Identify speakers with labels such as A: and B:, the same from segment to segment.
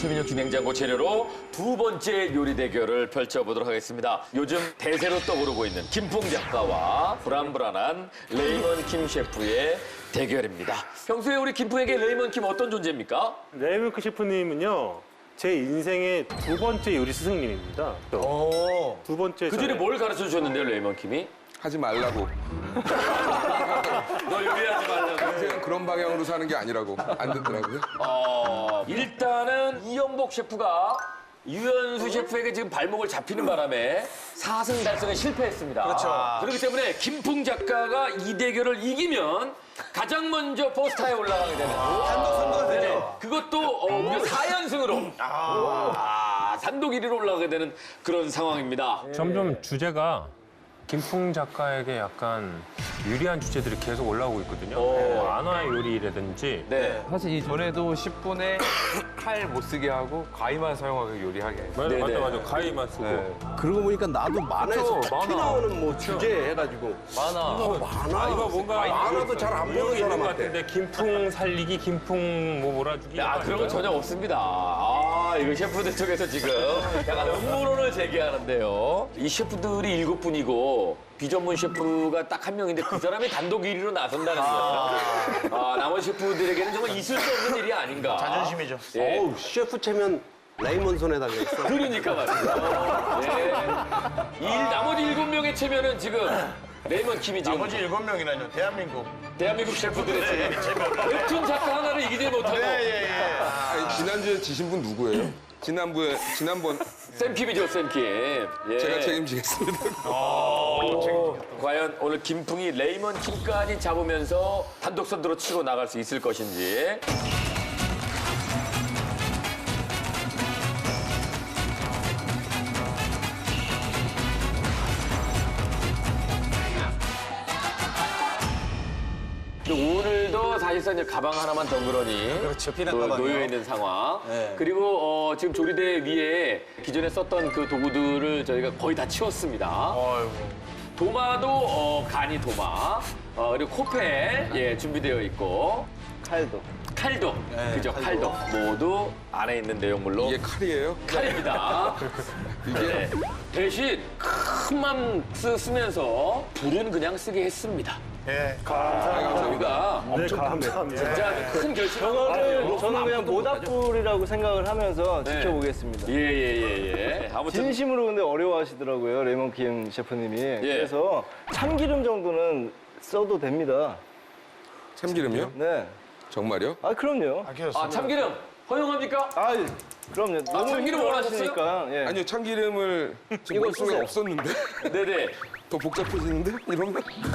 A: 최민혁 김행장고 재료로 두 번째 요리 대결을 펼쳐보도록 하겠습니다. 요즘 대세로 떠오르고 있는 김풍 작가와 불안불안한 레이먼 킴 셰프의 대결입니다. 평소에 우리 김풍에게 레이먼 킴 어떤 존재입니까?
B: 레이먼 킴 셰프님은요, 제 인생의 두 번째 요리 스승님입니다. 두 번째.
A: 그 전에 뭘 가르쳐 주셨는데요, 레이먼 킴이?
C: 하지 말라고.
A: 너 요리하지 말라고.
C: 인생은 그런 방향으로 사는 게 아니라고. 안 듣더라고요.
A: 일단은 이영복 셰프가 유현수 셰프에게 지금 발목을 잡히는 바람에 4승 달성에 실패했습니다. 그렇죠. 그렇기 때문에 김풍 작가가 이 대결을 이기면 가장 먼저 포스타에 올라가게 되는. 단독 선거가 되죠. 그것도 무려 4연승으로 단독 1위로 올라가게 되는 그런 상황입니다.
D: 점점 주제가 김풍 작가에게 약간 유리한 주제들이 계속 올라오고 있거든요. 만화의 요리라든지.
A: 네.
E: 사실 이전에도 10분에 칼 못 쓰게 하고 가위만 사용하게 요리하게.
D: 맞아. 가위만 쓰고.
E: 네.
F: 그러고 보니까 나도 만화에서
D: 그쵸,
F: 특히
D: 만화.
F: 나오는 뭐 주제 해가지고
E: 만화.
D: 이거 뭔가
F: 만화도 잘 안 보는
D: 있는 것
F: 사람한테.
D: 같은데 김풍 살리기, 김풍 뭐 몰아주기.
A: 그런 거 전혀 없습니다. 이거 셰프들 쪽에서 지금 약간 음모론을 제기하는데요. 이 셰프들이 7분이고 비전문 셰프가 딱 한 명인데 그 사람이 단독 1위로 나선다는 거예요. 나머지 셰프들에게는 정말 있을 수 없는 일이 아닌가.
G: 자존심이죠.
A: 예.
F: 어우, 셰프 체면 레이먼 손에 달려있어.
A: 그러니까 말이죠. 예. 나머지 7명의 체면은 지금 레이먼 킴이 지금
G: 나머지 7명이라뇨.
A: 대한민국 셰프들의 체면. 웹툰 작가 하나를 이기지 못하고
C: 아니, 지난주에 지신 분 누구예요? 지난번
A: 쌤킴이죠, 쌤킴. 예.
C: 제가 책임지겠습니다.
A: 과연 오늘 김풍이 레이먼 킴까지 잡으면서 단독 선두로 치고 나갈 수 있을 것인지. 오늘도 사실상 이제 가방 하나만 덩그러니
G: 그렇죠, 피난
A: 또
G: 가방이요.
A: 놓여 있는 상황.
G: 네.
A: 그리고 지금 조리대 위에 기존에 썼던 그 도구들을 저희가 거의 다 치웠습니다. 도마도 간이 도마, 그리고 코페 준비되어 있고 칼도 그죠 칼도 모두 안에 있는 내용물로
C: 이게 칼이에요?
A: 칼입니다.
C: 이게
A: 대신 큰맘 쓰면서 불은 그냥 쓰게 했습니다.
G: 예.
A: 우리가
B: 네, 감사합니다.
A: 진짜 큰 결심.
H: 저는 그냥 모닥불이라고 생각을 하면서
A: 네.
H: 지켜보겠습니다.
A: 예. 아무튼
H: 진심으로 근데 어려워하시더라고요, 레이먼 킴 셰프님이. 그래서 참기름 정도는 써도 됩니다.
C: 참기름이요?
H: 네.
C: 정말요?
H: 아, 그럼요.
A: 참기름 허용합니까?
H: 아, 그럼요. 너무
A: 참기름
H: 원하시니까. 예.
C: 아니요, 참기름을 지금 머릿속에
H: 쓰세요.
C: 없었는데?
A: 네네.
C: 더 복잡해지는데? 이러면?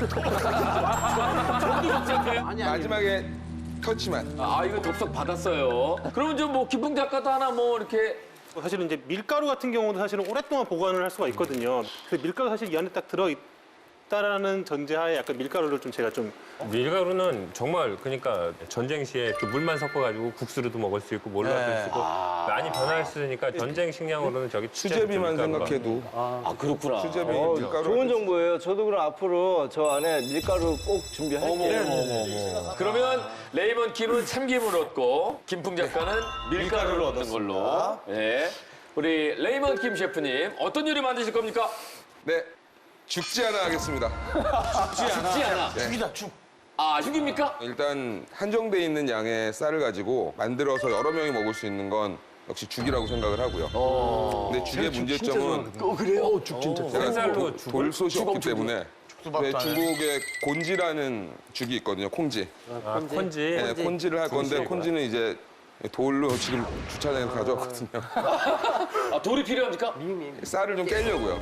C: 마지막에 터치만.
A: 이거 덥석 받았어요. 그러면 좀 뭐 김풍 작가도 하나 뭐 이렇게
B: 사실은 이제 밀가루 같은 경우도 사실은 오랫동안 보관을 할 수가 있거든요. 그래서 밀가루 사실 이 안에 딱 들어있다라는 전제하에 약간 밀가루를 좀 제가 좀
D: 밀가루는 정말 그러니까 전쟁 시에 그 물만 섞어가지고 국수로도 먹을 수 있고 뭘로 할 수 있고 많이 변화했으니까 전쟁 식량으로는 저기
C: 수제비만 생각해도.
A: 그렇구나.
C: 수제비 밀가루.
H: 좋은 정보예요. 저도 그럼 앞으로 저 안에 밀가루 꼭 준비할게요.
A: 그러면 레이먼 킴은 참기름을 얻고 김풍 작가는 밀가루를 얻는 걸로. 예. 우리 레이먼 킴 셰프님 어떤 요리 만드실 겁니까?
C: 네, 죽지 않아 하겠습니다.
A: 죽지 않아.
G: 죽이다, 죽.
A: 죽입니까?
C: 일단 한정돼 있는 양의 쌀을 가지고 만들어서 여러 명이 먹을 수 있는 건 역시 죽이라고 생각을 하고요. 근데 죽의 문제점은
A: 그래요?
F: 죽 진짜.
C: 제가
D: 생쌀로 죽을?
C: 돌솥이 없기 때문에 왜
G: 밥도 안
C: 중국에 곤지라는 죽이 있거든요. 콩지.
D: 콘지.
C: 네, 콘지를 할 건데 콘지는 이제 돌로 지금 주차장에서 가져왔거든요.
A: 돌이 필요합니까?
C: 쌀을 좀 깨려고요.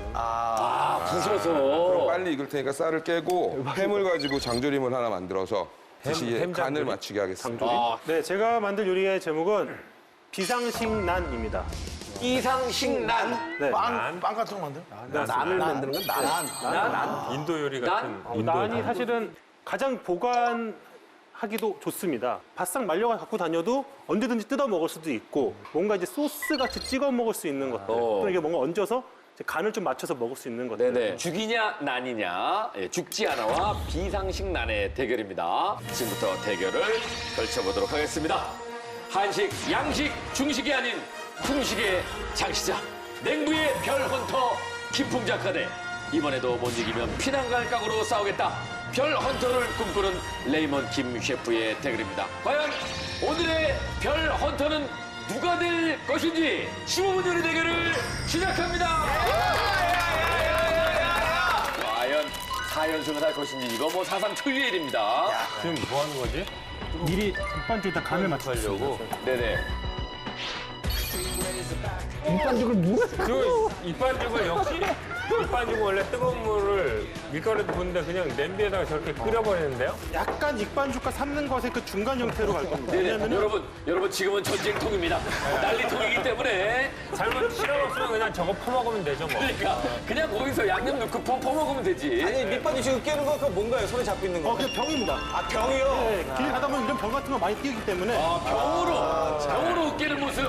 A: 부서서.
C: 빨리 익을 테니까 쌀을 깨고 햄을 가지고 장조림을 하나 만들어서 다시
D: 햄
C: 간을
D: 장조림?
C: 맞추게 하겠습니다.
B: 네, 제가 만들 요리의 제목은 비상식난입니다.
A: 이상식난.
B: 네.
G: 빵 같은 거 만들어?
F: 난을 만드는 건 난.
D: 인도 요리 같은 인도
B: 난이 사실은 가장 보관하기도 좋습니다. 바싹 말려가 갖고 다녀도 언제든지 뜯어 먹을 수도 있고 뭔가 이제 소스 같이 찍어 먹을 수 있는 것들. 또 이게 뭔가 얹어서 이제 간을 좀 맞춰서 먹을 수 있는 것들.
A: 네네. 죽이냐 난이냐 죽지 않아와 비상식난의 대결입니다. 지금부터 대결을 펼쳐보도록 하겠습니다. 한식, 양식, 중식이 아닌 풍식의 장시장. 냉부의 별헌터 김풍작가 대 이번에도 못 이기면 피난갈 각오로 싸우겠다. 별헌터를 꿈꾸는 레이먼 김 셰프의 대결입니다. 과연 오늘의 별헌터는 누가 될 것인지 15분 요리 대결을 시작합니다. 과연 4연승을 할 것인지 이거 뭐 사상 초유의 일입니다.
D: 지금 뭐 하는 거지?
B: 미리 밑반죽에다 간을 맞추려고.
A: 네네.
D: 그 이반죽을 역시 이반죽은 원래 뜨거운 물을 밀가루에 붓는데 그냥 냄비에다가 저렇게 끓여버리는데요?
B: 약간 익반죽과 삶는 것의 그 중간 형태로 갈 겁니다.
A: 네네.
B: 왜냐면은
A: 여러분 지금은 전쟁통입니다. 난리통이기 때문에
D: 잘못 실험 없으면 그냥 저거 퍼먹으면 되죠 뭐.
A: 그러니까 그냥 거기서 양념 넣고 퍼먹으면 되지.
H: 아니 밑바지 지금 깨는 거 그거 뭔가요? 손에 잡고 있는 거?
B: 그냥 병입니다.
H: 아 병이요?
B: 네, 길 가다 보면 이런 병 같은 거 많이 끼기 때문에
A: 병으로 으깨는 모습.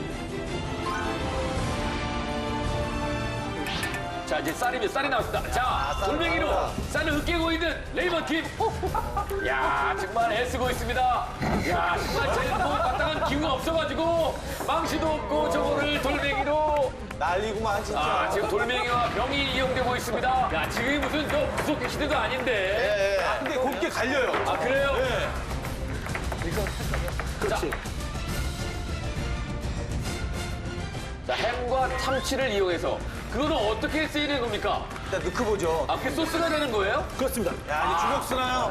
A: 자 이제 쌀이 나왔습니다. 자 돌멩이로 쌀을 으깨고 있는 레이먼 팀. 야 정말 애쓰고 있습니다. 야 정말 쟤뭐 마땅한 기운가 없어가지고 망치도 없고 저거를 돌멩이로.
H: 난리구만 진짜.
A: 아 지금 돌멩이와 병이 이용되고 있습니다. 야 지금 무슨 저 구속 시대도 아닌데.
H: 근데 곱게 갈려요.
A: 아 그래요?
B: 그렇지.
A: 자 햄과 참치를 이용해서 그거는 어떻게 쓰이는 겁니까?
H: 일단 넣고 보죠.
A: 아 그게 소스가 되는 거예요?
B: 그렇습니다.
H: 야, 이 주먹 쓰나요?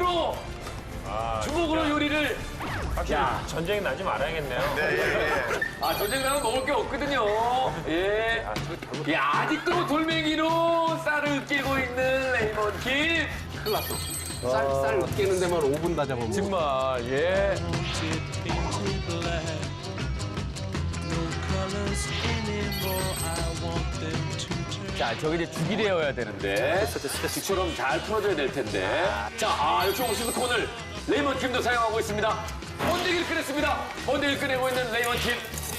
A: 주먹으로 요리를.
D: 확실히 전쟁이 나지 말아야겠네요.
A: 아 전쟁 나면 먹을 게 없거든요. 예. 야 아직도 돌멩이로 쌀을 끼고 있는 레이먼 킴.
F: 쌀 으깨는 데만 5분 다 잡으면.
A: 정말 예. 자, 저기 이제 죽이 되어야 되는데 죽처럼 잘 풀어줘야 될 텐데. 자, 역시 옥수수 콘을 레이먼 팀도 사용하고 있습니다. 번데기를 꺼냈습니다. 번데기를 꺼내고 있는 레이먼 팀.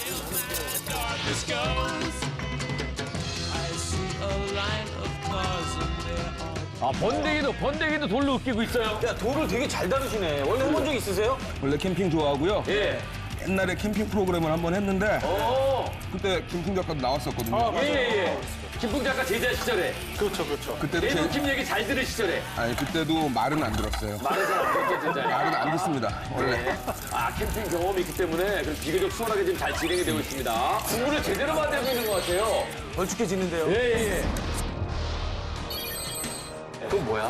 A: 아, 번데기도 돌로 으깨고 있어요.
H: 야 돌을 되게 잘 다루시네. 원래 해본 적 있으세요?
C: 원래 캠핑 좋아하고요.
A: 예.
C: 옛날에 캠핑 프로그램을 한번 했는데
A: 오.
C: 그때 김풍 작가도 나왔었거든요.
A: 예. 김풍 작가 제자 시절에
B: 그렇죠, 그렇죠.
C: 그때도
A: 레이먼 팀 얘기 잘 들은 시절에
C: 아니 그때도 말은 안 들었어요.
A: 말해서 진짜.
C: 말은 안 듣습니다. 원래.
A: 아, 캠핑 경험이 있기 때문에 그래서 비교적 수월하게 지금 잘 진행이 되고 있습니다. 국물을 제대로 만들고 있는 것 같아요.
H: 걸쭉해지는데요.
A: 예.
F: 그건 뭐야?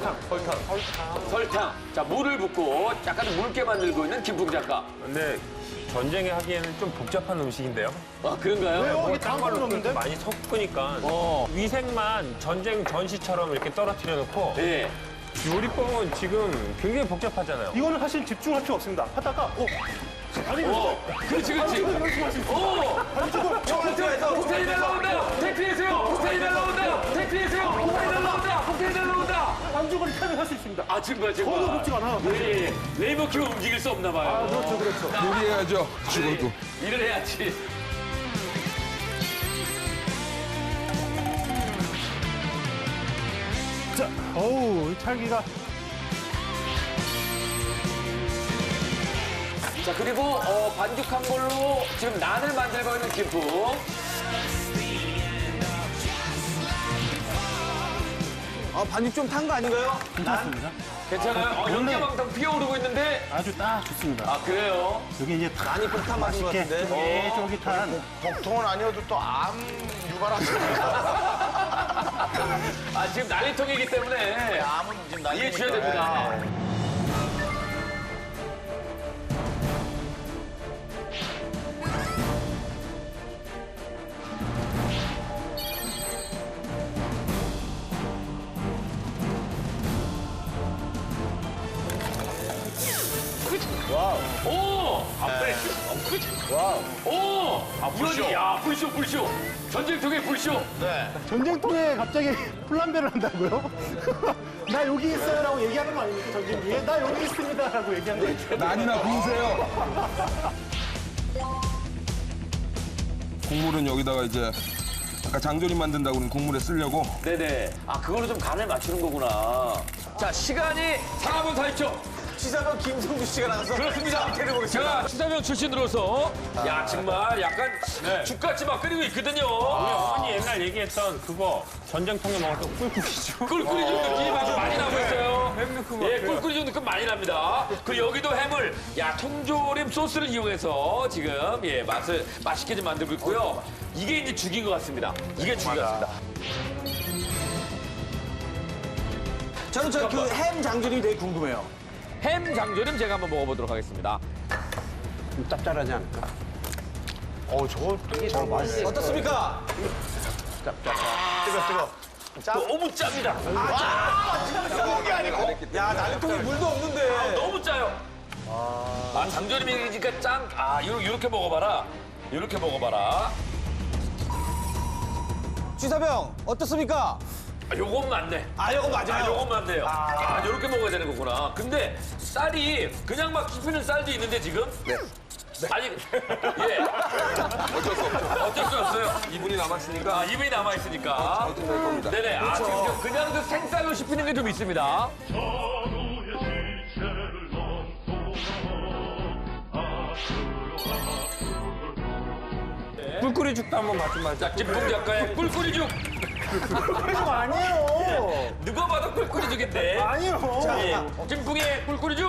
A: 설탕. 자, 물을 붓고 약간 묽게 만들고 있는 김풍 작가.
D: 근데 전쟁에 하기에는 좀 복잡한 음식인데요.
A: 아, 그런가요?
B: 왜요? 이게
D: 딴
B: 다음
D: 걸로
B: 건 없는데?
D: 많이 섞으니까 위생만 전쟁 전시처럼 이렇게 떨어뜨려 놓고
A: 예.
D: 요리법은 지금 굉장히 복잡하잖아요.
B: 이거는 사실 집중할 필요 없습니다. 하다가 아니
A: 그렇지. 폭탄이 날라온다! 택시해세요! 폭탄이 날라온다! 택시해세요! 폭탄이 날라온다! 폭탄이 날라온다!
B: 반죽을 타면 할 수 있습니다.
A: 아, 정말.
B: 저도 그렇지가 않아요.
A: 예. 레이버 큐 움직일 수 없나 봐요.
B: 그렇죠.
C: 요리해야죠. 죽어도.
A: 일을 해야지.
B: 자, 어우, 이 찰기가.
A: 자, 그리고 반죽한 걸로 지금 난을 만들고 있는 김풍.
H: 아 반죽 좀 탄 거 아닌가요?
B: 괜찮습니다.
A: 괜찮아요? 연기망상 피어오르고 있는데.
B: 아주 딱 좋습니다.
A: 아, 그래요?
B: 여기 이제 다
H: 많이 폭탄 맞은 것
B: 맛있게
H: 같은데.
B: 쫄깃쫄깃한
G: 복통은 아니어도 또 암 유발하십니다.
A: 아, 지금 난리통이기 때문에
G: 암은 지금 난리.
A: 이해해 주셔야 됩니다. 오! 아, 프레쉬. 와우. 오! 아, 불쇼. 야, 불쇼. 전쟁통의 불쇼.
B: 전쟁통에 갑자기 플란베를 한다고요? 나 여기 있어요라고 얘기하는 거 아닙니까, 전쟁기에? 나 여기 있습니다라고 얘기하는 거.
C: 난이나 부으세요. 국물은 여기다가 이제 아까 장조림 만든다고 그런 국물에 쓰려고
A: 네네. 아, 그걸로 좀 간을 맞추는 거구나. 자, 시간이 4분 40초.
G: 시사번 김성주 씨가 나가서
A: 그렇습니다. 제가 추사병 출신으로서 야 정말 약간 죽같이 막 끓이고 있거든요.
D: 우리 어머니 옛날 얘기했던 그거 전쟁통에 먹었던 꿀꿀이죠.
A: 꿀꿀이 좀 느낌이 아주 많이 나고 있어요. 예, 꿀꿀이 좀 느낌 많이 납니다. 그 여기도 햄을 통조림 소스를 이용해서 지금 맛을 맛있게 좀 만들고 있고요. 이게 이제 죽인 것 같습니다. 이게 죽인 것 같습니다.
G: 저는 저 그 햄 장조림이 되게 궁금해요.
A: 햄 장조림 제가 한번 먹어보도록 하겠습니다.
F: 좀 짭짤하지 않을까?
G: 저거 맛있어요. 어떻습니까?
A: 너무 짭니다.
G: 뜨거운 게 아니고. 야, 나래통에 물도 없는데.
A: 너무 짜요. 장조림이니까 짱. 이렇게 먹어봐라. 이렇게 먹어봐라.
G: 취사병 어떻습니까?
A: 요건 맞네.
G: 이거 맞아요.
A: 요건 맞네요. 요렇게 먹어야 되는 거구나. 근데 쌀이 그냥 막 씹히는 쌀도 있는데 지금? 네. 아니, 예. 어쩔 수 없어요.
C: 이분이 남았으니까
A: 2분이 남아있으니까.
C: 어떻게 될 겁니다.
A: 네네. 지금 그냥 그 생쌀로 씹히는 게 좀 있습니다.
D: 꿀꿀이 죽도 한번 맛 좀 말자.
A: 자, 김풍 작가의 꿀꿀이죽.
G: 꿀꿀이죽 아니에요.
A: 누가 봐도 꿀꿀이죽인데.
G: 아니요.
A: 김풍의 꿀꿀이죽.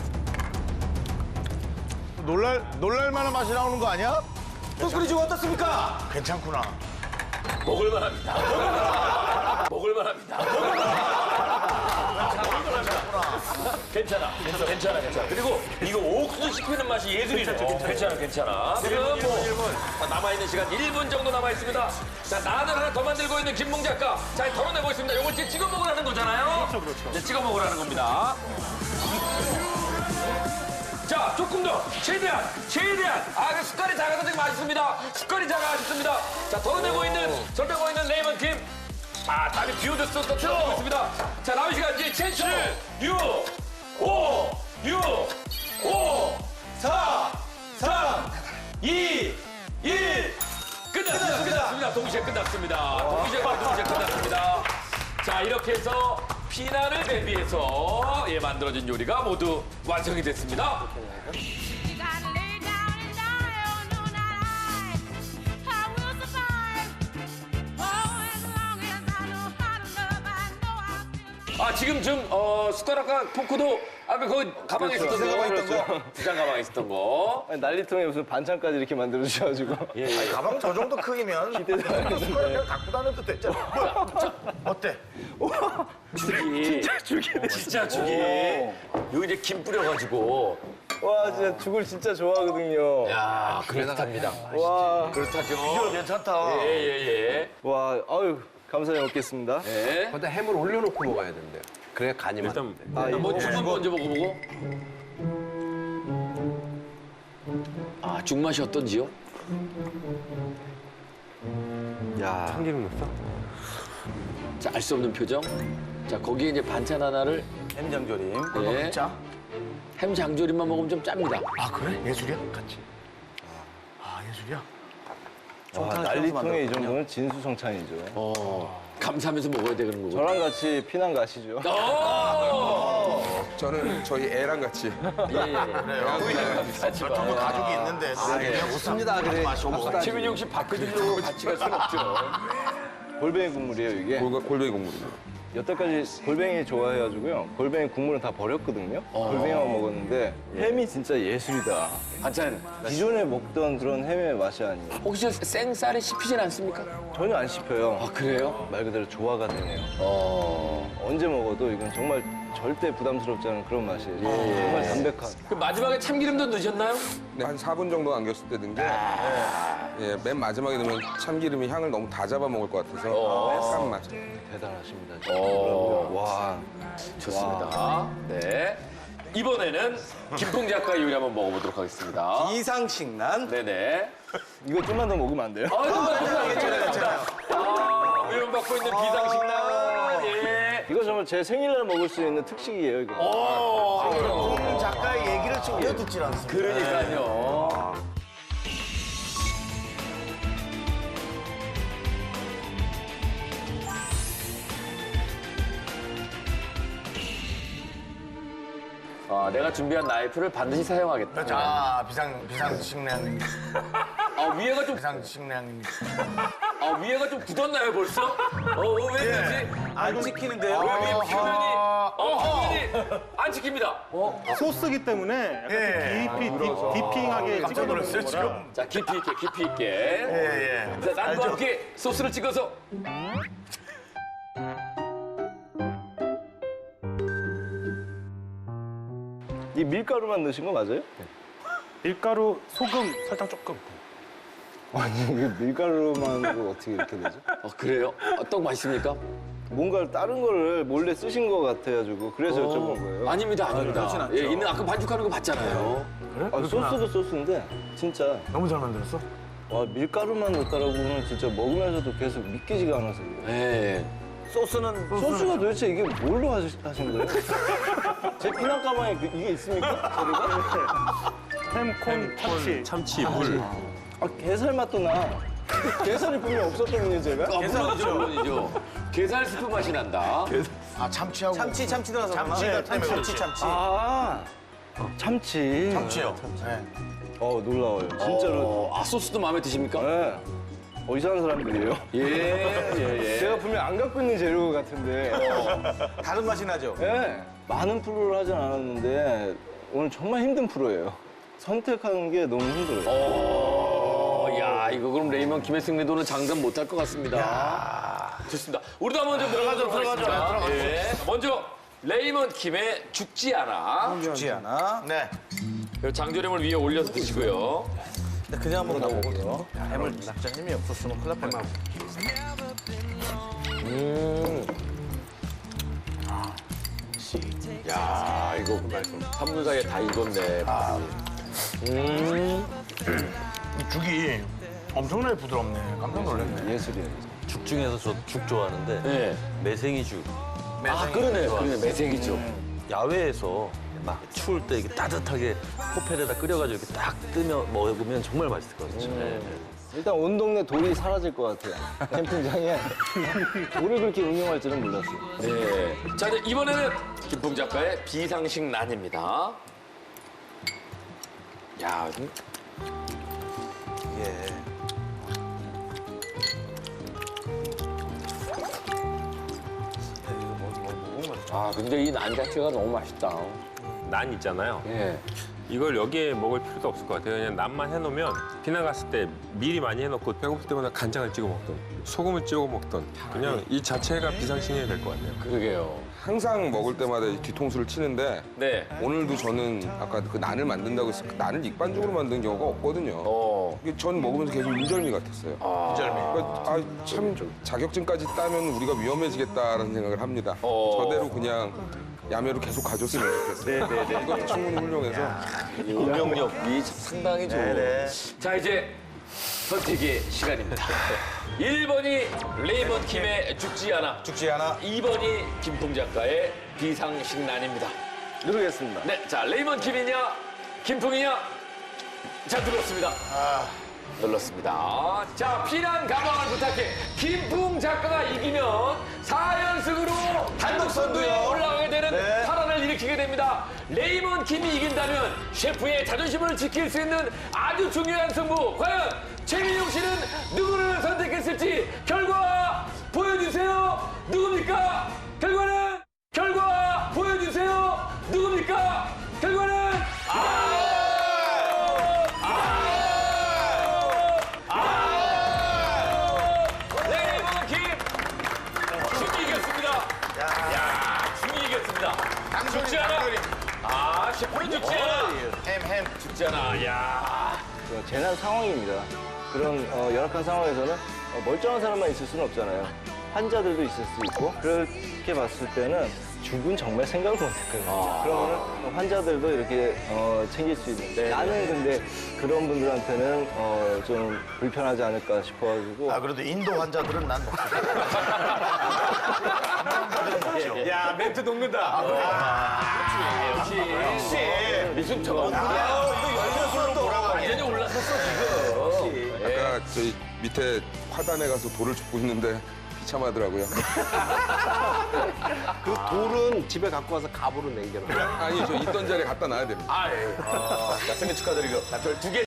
G: 놀랄 만한 맛이 나오는 거 아니야? 꿀꿀이죽 어떻습니까? 괜찮구나.
A: 먹을만합니다. 먹을만합니다. 괜찮아. 그리고 이거 옥수수 씹히는 맛이 예술이네. 괜찮아. 지금 남아있는 시간 1분 정도 남아있습니다. 자, 난을 하나 더 만들고 있는 김몽 작가. 자, 덜어내보겠습니다. 요걸 지금 찍어 먹으라는 거잖아요. 그렇죠. 네, 찍어 먹으라는 겁니다. 자, 조금 더. 최대한. 그 숟갈이 작아서 되게 맛있습니다. 숟갈이 작아졌습니다. 자, 덜어내고 있는 레이먼 팀. 땀이 비오듯 쏟고 있습니다. 자, 남은 시간 이제 7, 6, 5, 4, 3, 2, 1. 끝났습니다. 동시에 끝났습니다. 자, 이렇게 해서 피난을 대비해서 만들어진 요리가 모두 완성이 됐습니다.
I: You gotta lay down and die, oh no, not I will survive. Oh, as long as I know how to love, I know I'll still.
A: 지금 숟가락과 포크도 아까 거기 가방에 있었던 거. 부장 가방에 있었던 거.
H: 난리통에 무슨 반찬까지 이렇게 만들어 주셔가지고.
G: 가방 저 정도 크기면 숟가락 갖고 다녀도 됐잖아. 어때?
A: 죽이. 진짜 죽이. 여기 이제 김 뿌려가지고.
H: 와 진짜 죽을 진짜 좋아하거든요.
A: 야, 그렇답니다.
H: 와,
A: 그렇다죠.
G: 이거 괜찮다.
A: 예.
H: 와, 아유 감사히 먹겠습니다.
A: 예.
F: 거기다 햄을 올려놓고 먹어야 된대요. 그래야 간이
D: 일단
F: 맞는데.
A: 뭐 죽은 먼저 먹어보고. 죽 맛이 어떤지요?
H: 야,
D: 참기름 넣었어?
A: 자, 알 수 없는 표정. 자, 거기에 이제 반찬 하나를
G: 햄 장조림.
A: 네.
G: 진짜?
A: 햄 장조림만 먹으면 좀 짭니다.
G: 그래? 예술이야? 같이. 예술이야?
H: 와, 난리통에 이 정도는 진수성찬이죠.
A: 감사하면서 먹어야 되는 거고.
H: 저랑 같이 피난 가시죠.
C: 저는 저희 애랑 같이
G: 전부 가족이 있는데.
F: 좋습니다. 그래.
A: 최민영 씨 바꿔주려고 같이 갈 수는 없죠.
H: 골뱅이 국물이에요 이게.
C: 골뱅이 국물입니다.
H: 여태까지 골뱅이 좋아해가지고요. 골뱅이 국물은 다 버렸거든요. 골뱅이만 먹었는데 햄이 진짜 예술이다.
A: 반찬.
H: 기존에 먹던 그런 햄의 맛이 아니에요.
A: 혹시 생쌀에 씹히진 않습니까?
H: 전혀 안 씹혀요.
A: 그래요?
H: 말 그대로 조화가 되네요. 언제 먹어도 이건 정말 절대 부담스럽지 않은 그런 맛이에요. 정말 담백한.
A: 그 마지막에 참기름도 넣으셨나요?
C: 네, 한 4분 정도 남겼을 때 든 게 맨 마지막에 넣으면 참기름이 향을 너무 다 잡아먹을 것 같아서 약간 맛.
H: 대단하십니다. 진짜. 와,
A: 좋습니다. 네. 이번에는 김풍 작가 요리 한번 먹어보도록 하겠습니다.
G: 이상식난.
A: 네네.
H: 이거 좀만 더 먹으면 안 돼요?
A: 괜찮아요. 위험받고 있는 비상식량. 예.
H: 이거 정말 제 생일날 먹을 수 있는 특식이에요, 이거.
G: 작가의 얘기를 좀 이어듣질 않습니다.
A: 그러니까요. 내가 준비한 나이프를 반드시 사용하겠다.
G: 자, 비상식량.
A: 위에가 좀
G: 비상식량.
A: 위에가 좀 굳었나요 벌써? 왜 그러지?
G: 안 지키는데요?
A: 표면이 안 지킵니다.
B: 소스기 때문에 약간 좀 디핑하게
G: 깜짝
B: 찍어
G: 놀랐어요,
B: 놓는 거라.
G: 지금.
A: 자 깊이 있게.
G: 예.
A: 자, 난과 함께 소스를 찍어서.
H: 이 밀가루만 넣으신 거 맞아요?
B: 밀가루, 소금 살짝 조금.
H: 아니 이게 밀가루만으로 어떻게 이렇게 되죠?
A: 그래요? 떡 맛있습니까?
H: 뭔가 다른 거를 몰래 쓰신 거 같아가지고 그래서 여쭤본 거예요.
A: 아닙니다. 예, 있는 아까 반죽하는 거 봤잖아요.
H: 소스도 소스인데 진짜
G: 너무 잘 만들었어?
H: 와 밀가루만 넣었다라고는 진짜 먹으면서도 계속 믿기지가 않아서 그래요.
A: 예.
H: 소스가 도대체 이게 뭘로 하신 거예요? 제 피난 가방에 이게 있습니까? 재료가?
B: 햄, 콘, 참치.
D: 참치, 물.
H: 게살 맛도 나. 게살이 분명 없었거든요 제가.
A: 물론이죠. 게살 스프 맛이 난다.
G: 참치하고. 참치 들어가서. 참치가 때문에 그렇지. 참치.
H: 참치.
G: 참치요.
H: 놀라워요. 진짜로.
A: 소스도 마음에 드십니까?
H: 네. 이상한 사람들이에요.
A: 예.
H: 제가 분명 안 갖고 있는 재료 같은데.
G: 다른 맛이 나죠?
H: 네. 많은 프로를 하진 않았는데 오늘 정말 힘든 프로예요. 선택하는 게 너무 힘들어요.
A: 야, 이거 그럼 레이먼 김의 승리도는 장담 못할 것 같습니다. 좋습니다. 우리도 한번 좀 들어가도록 하겠습니다. 예. 먼저 레이먼 김의 죽지 않아.
G: 죽지 않아. 네.
A: 그리고 장조림을 위에 올려서 드시고요.
G: 그냥 한번 가보고요. 햄을 진짜 힘이 없었으면 큰일 날 뻔했네.
A: 야, 이거 3분 사이에 다 익었네.
G: 이 죽이 엄청나게 부드럽네. 깜짝 놀랐네.
H: 예술이에요.
J: 죽 중에서 저 죽 좋아하는데
A: 네.
J: 매생이죽.
A: 그러네. 매생이죠.
J: 야외에서 막 추울 때 이게 따뜻하게 호펠에다 끓여가지고 이렇게 딱 뜨며 먹으면 정말 맛있을 것 같아요. 네.
H: 일단 온 동네 돌이 사라질 것 같아요. 캠핑장에 돌을 그렇게 응용할 줄은 몰랐어요.
A: 네. 자, 이제 이번에는 김풍 작가의 비상식 난입니다. 야, 근데 이 난 자체가 너무 맛있다.
D: 난 있잖아요.
A: 예.
D: 이걸 여기에 먹을 필요도 없을 것 같아요. 그냥 난만 해놓으면 비나 갔을 때 미리 많이 해놓고 배고플 때마다 간장을 찍어 먹던 소금을 찍어 먹던 그냥 이 자체가 비상식량이 될 것 같네요.
A: 그러게요.
C: 항상 먹을 때마다 이 뒤통수를 치는데
A: 네.
C: 오늘도 저는 아까 그 난을 만든다고 해서 그 난을 익반죽으로 만든 경우가 없거든요. 이게 전 먹으면서 계속 인절미 같았어요. 인절미. 참 자격증까지 따면 우리가 위험해지겠다라는 생각을 합니다. 저대로 그냥 야매로 계속 가줬으면 좋겠어요.
A: 네네네.
C: 이것도 충분히 훌륭해서.
A: 응용력이 상당히 좋은. 자, 이제 선택의 시간입니다. 1번이 레이먼 김의 죽지 않아. 2번이 김풍 작가의 비상식난입니다.
H: 누르겠습니다.
A: 네, 자, 레이먼 김이냐, 김풍이냐? 자, 눌렀습니다. 눌렀습니다. 자, 피난 가방을 부탁해. 김풍 작가가 이기면 4연승으로 단독 선두에 올라가게 되는 파란을 일으키게 됩니다. 레이먼 김이 이긴다면 셰프의 자존심을 지킬 수 있는 아주 중요한 승부. 과연 최민용 씨는 누구를 선택했을지 결과 보여주세요. 누굽니까? 결과 보여주세요. 누굽니까? 결과는 레이먼 김 중이 이겼습니다. 야, 중이 이겼습니다. 죽지 않아. 셰프는 죽지 않아. 햄 죽지 않아. 야.
H: 재난 상황입니다. 그런 열악한 상황에서는 멀쩡한 사람만 있을 수는 없잖아요. 환자들도 있을 수 있고 그렇게 봤을 때는 죽은 정말 생각을 못했거든요. 그러면 환자들도 이렇게 챙길 수 있는데 나는 근데 그런 분들한테는 좀 불편하지 않을까 싶어가지고
G: 그래도 인도 환자들은 난 먹지. 야, 멘트 녹는다.
A: 역시 미숙처럼.
G: 이거 열려서 또
A: 완전히 올라섰어 지금.
C: 아까 저희 밑에 화단에 가서 돌을 줍고 있는데 비참하더라고요.
F: 그 돌은 집에 갖고 와서 갑으로 남겨놔요.
C: 아니 저 있던 자리에 갖다 놔야 됩니다.
A: 아, 예. 생일 축하드리고. 별 2개